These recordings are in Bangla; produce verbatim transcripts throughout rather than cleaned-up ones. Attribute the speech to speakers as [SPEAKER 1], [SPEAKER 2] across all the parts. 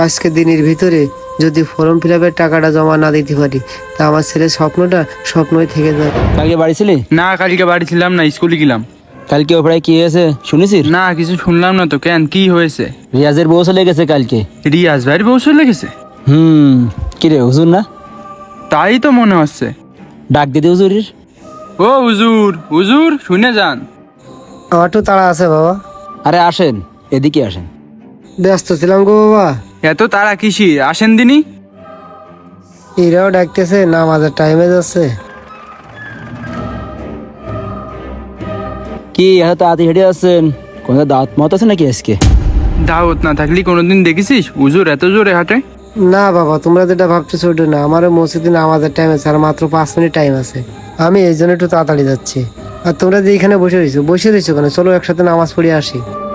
[SPEAKER 1] আজকে দিনের ভিতরে যদি ফর্ম ফিল আপের টাকাটা জমা না দিতে পারি তা আমার ছেলের স্বপ্নটা স্বপ্নই থেকে যাবে।
[SPEAKER 2] কালকে বাড়ি ছিলি?
[SPEAKER 3] না, কালকে বাড়ি ছিলাম না, স্কুলে গেলাম।
[SPEAKER 2] কালকে ওপরে কি হয়েছে শুনেছিস?
[SPEAKER 3] না, কিছু শুনলাম না তো। কেন, কি হয়েছে?
[SPEAKER 2] রিয়াজের বউ চলে গেছে কালকে।
[SPEAKER 3] রিয়াজ ভাইয়ের বউ চলে গেছে?
[SPEAKER 2] হুম, কি রে হুজুর না?
[SPEAKER 3] তাই তো মনে হচ্ছে।
[SPEAKER 2] ডাক দিদি হুজুরের।
[SPEAKER 3] ও হুজুর, হুজুর শুনে যান।
[SPEAKER 1] আমার একটু তাড়া আছে বাবা।
[SPEAKER 2] আরে আসেন, এদিকে আসেন।
[SPEAKER 1] ব্যস্ত ছিলাম গো বাবা।
[SPEAKER 3] এত তারা কিসি, আসেন দিনি।
[SPEAKER 1] এরাও ডাকতেছে, নামাজের টাইমে যাচ্ছে।
[SPEAKER 2] কি এত তাড়াতাড়ি হেঁটে আসছেন? কোন দাওয়াত মত আছে নাকি আজকে?
[SPEAKER 3] দাওয়াত না থাকলে কোনোদিন দেখেছিস হুজুর এত জোরে হাঁটে?
[SPEAKER 1] না বাবা, তোমরা যেটা ভাবতেছো ওটা না। আমারও মসজিদে নামাজের টাইম আছে, আর মাত্র পাঁচ মিনিট টাইম আছে। আমি এই জন্য একটু তাড়াতাড়ি যাচ্ছি। আর তোমরা যে এখানে বসে রয়েছো বসে রয়েছো কেন? চলো একসাথে নামাজ পড়ে আসি।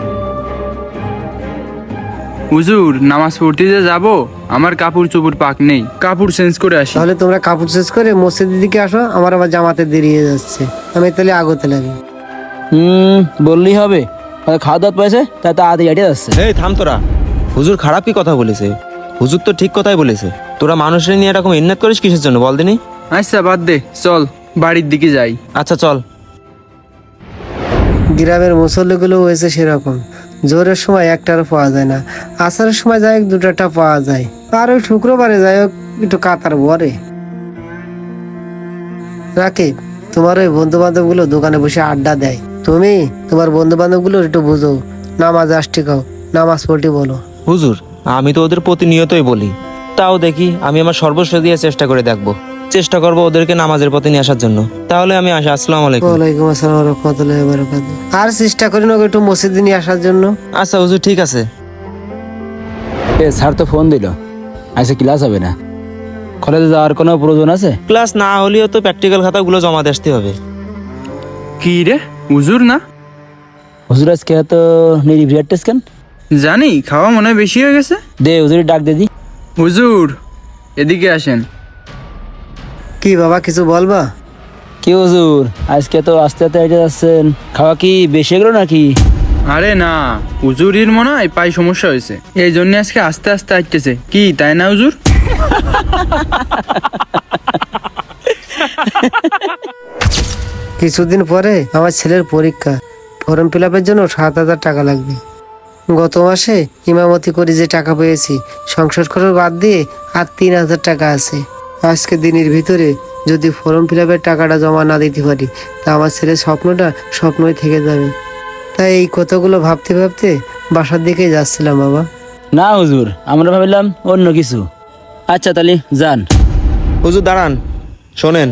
[SPEAKER 3] হুজুর নামাজ পড়তে যে যাবো, আমার কাপড় চোপড় পাক নেই, কাপড় চেঞ্জ করে আসি।
[SPEAKER 1] তাহলে তোমরা কাপড় চেঞ্জ করে মসজিদের দিকে আসো, আমার আবার জামাতে দেরি হয়ে যাচ্ছে। আমি তাহলে আগতে লাগি।
[SPEAKER 2] হুম, বললেই হবে। হয়তো খাওয়া দাওয়া পাইছে তাই তাড়াতাড়ি হেঁটে যাচ্ছে।
[SPEAKER 4] এই থাম তোরা। হুজুর খারাপ কি কথা বলেছে? হুজুর তো ঠিক কথাই বলেছে। তোরা মানুষের নিয়ে এরকম ইন্নাত করিস কিসের জন্য বল দিনি?
[SPEAKER 3] আচ্ছা বাদ দে, চল বাড়ির দিকে যাই।
[SPEAKER 4] আচ্ছা চল।
[SPEAKER 1] গ্রামের মুসল্লিগুলো হয়েছে সেরকম। জোরের সময় একটারও পাওয়া যায় না, আসার সময় যাই হোক দুটাটা পাওয়া যায়, আর ওই শুক্রবারে যাই হোক একটু কাতার ভরে। রাকিব, তোমার ওই বন্ধু বান্ধব গুলো দোকানে বসে আড্ডা দেয়, তুমি তোমার বন্ধু বান্ধব গুলো একটু বুঝো, নামাজ আসতে খাও, নামাজ পড়তে বলো।
[SPEAKER 4] হুজুর আমি তো ওদের প্রতিনিয়তই বলি, তাও দেখি আমি আমার সর্বস্ব দিয়ে চেষ্টা করে দেখবো। চেষ্টা করবো ওদেরকে নামাজের পথে নিয়ে আসার জন্য। তাহলে আমি আসি। আসসালামু আলাইকুম।
[SPEAKER 1] ওয়ালাইকুম আসসালাম ওয়া রাহমাতুল্লাহি ওয়া বারাকাতুহু। আর চেষ্টা করি না একটু মসজিদে নিয়ে আসার জন্য।
[SPEAKER 4] আচ্ছা হুজুর ঠিক আছে।
[SPEAKER 2] এ স্যার তো ফোন দিল, আজকে ক্লাস হবে না। কলেজে যাওয়ার কোনো প্রয়োজন আছে?
[SPEAKER 4] ক্লাস না হলেও তো প্র্যাকটিক্যাল খাতাগুলো জমা দিয়ে আসতে হবে।
[SPEAKER 3] কি রে, হুজুর না?
[SPEAKER 2] হুজুর আজকে এত নির্ভিয়ার টেস্ট কেন?
[SPEAKER 3] জানি খাওয়া মনে হয় বেশি হয়ে গেছে।
[SPEAKER 2] দে হুজুরের ডাক দিদি।
[SPEAKER 3] হুজুর এদিকে আসেন।
[SPEAKER 1] কি বাবা, কিছু বলবা?
[SPEAKER 2] কি হুজুর আজকে তো আস্তে আস্তে হেঁটে যাচ্ছেন, খাওয়া কি বেশি গেল নাকি?
[SPEAKER 3] আরে না, হুজুরির মনে হয় পায়ে সমস্যা হয়েছে, এই জন্য আজকে আস্তে আস্তে আসতেছে। কি তাই না হুজুর?
[SPEAKER 1] কিছুদিন পরে আমার ছেলের পরীক্ষা, ফর্ম ফিল আপের জন্য সাত হাজার টাকা লাগবে। গত মাসে ইমামতি করে যে টাকা পেয়েছি, সংসার খরচ বাদ দিয়ে আর তিন হাজার টাকা আছে। আজকে দিনের ভিতরে যদি ফর্ম ফিল আপের টাকাটা জমা না দিতে পারি তা আমার ছেলের স্বপ্নটা স্বপ্নই থেকে যাবে। তাই এই কথাগুলো ভাবতে ভাবতে বাসার দিকে যাচ্ছিলাম বাবা।
[SPEAKER 2] না হুজুর, আমরা ভাবলাম অন্য কিছু। আচ্ছা তাহলে যান।
[SPEAKER 4] হুজুর দাঁড়ান, শোনেন।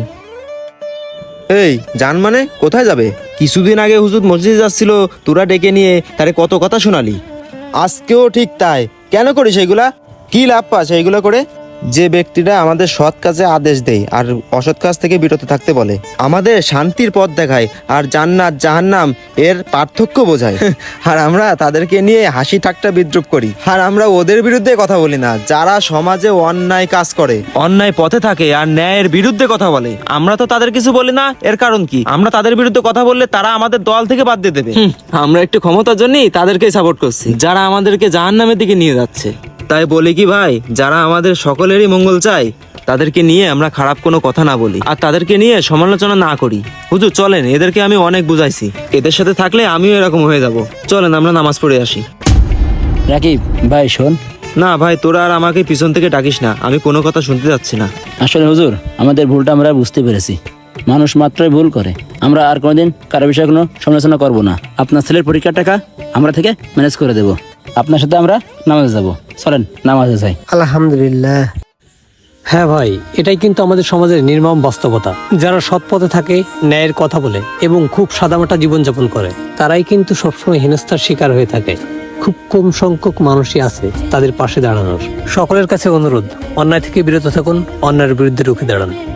[SPEAKER 4] এই জান মানে কোথায় যাবে? কিছুদিন আগে হুজুর মসজিদে যাচ্ছিল, তোরা ডেকে নিয়ে তারে কত কথা শোনালি। আজকেও ঠিক তাই। কেন করিস এইগুলা? কি লাভ পাস এইগুলা করে? যে ব্যক্তিরা আমাদের সৎ কাজে আদেশ দেয় আর অসৎ কাজ থেকে বিরত থাকতে বলে, আমাদের শান্তির পথ দেখায় আর জান্নাত জাহান্নাম এর পার্থক্য বোঝায়, আর আমরা তাদেরকে নিয়ে হাসি ঠাট্টা বিদ্রুপ করি। আর আমরা ওদের বিরুদ্ধে কথা বলি না যারা সমাজে অন্যায় কাজ করে, অন্যায় পথে থাকে আর ন্যায়ের বিরুদ্ধে কথা বলে। আমরা তো তাদের কিছু বলি না, এর কারণ কি? আমরা তাদের বিরুদ্ধে কথা বললে তারা আমাদের দল থেকে বাদ দিয়ে দেবে। আমরা একটু ক্ষমতার জন্যই তাদেরকেই সাপোর্ট করছি, যারা আমাদেরকে জাহান্নামের দিকে নিয়ে যাচ্ছে। তাই বলি কি ভাই, যারা আমাদের সকলেরই মঙ্গল চায় তাদেরকে নিয়ে আমরা খারাপ কোনো কথা না বলি আর তাদেরকে নিয়ে সমালোচনা না করি। হুজুর চলেন, এদেরকে আমি অনেক বুঝাইছি, এদের সাথে থাকলে আমিও এরকম হয়ে যাব। চলেন আমরা নামাজ পড়ে আসি।
[SPEAKER 2] রাকিব ভাই শোন।
[SPEAKER 4] না ভাই, তোরা আর আমাকে পিছন থেকে ডাকিস না, আমি কোনো কথা শুনতে যাচ্ছি না।
[SPEAKER 2] আসলে হুজুর আমাদের ভুলটা আমরা বুঝতে পেরেছি, মানুষ মাত্রই ভুল করে। আমরা আর কোনোদিন কারো বিষয়ে কোনো সমালোচনা করব না। আপনার ছেলের পরীক্ষার টাকা আমরা থেকে ম্যানেজ করে দেব, আপনার সাথে আমরা নামাজে যাব। চলেন নামাজে যাই।
[SPEAKER 1] আলহামদুলিল্লাহ।
[SPEAKER 5] হ্যাঁ ভাই, এটাই কিন্তু আমাদের সমাজের নির্মম বাস্তবতা। যারা সৎ পথে থাকে, ন্যায়ের কথা বলে এবং খুব সাদামাটা জীবনযাপন করে, তারাই কিন্তু সবসময় হেনস্থার শিকার হয়ে থাকে। খুব কম সংখ্যক মানুষই আছে তাদের পাশে দাঁড়ানোর। সকলের কাছে অনুরোধ, অন্যায় থেকে বিরত থাকুন, অন্যায়ের বিরুদ্ধে রুখে দাঁড়ান।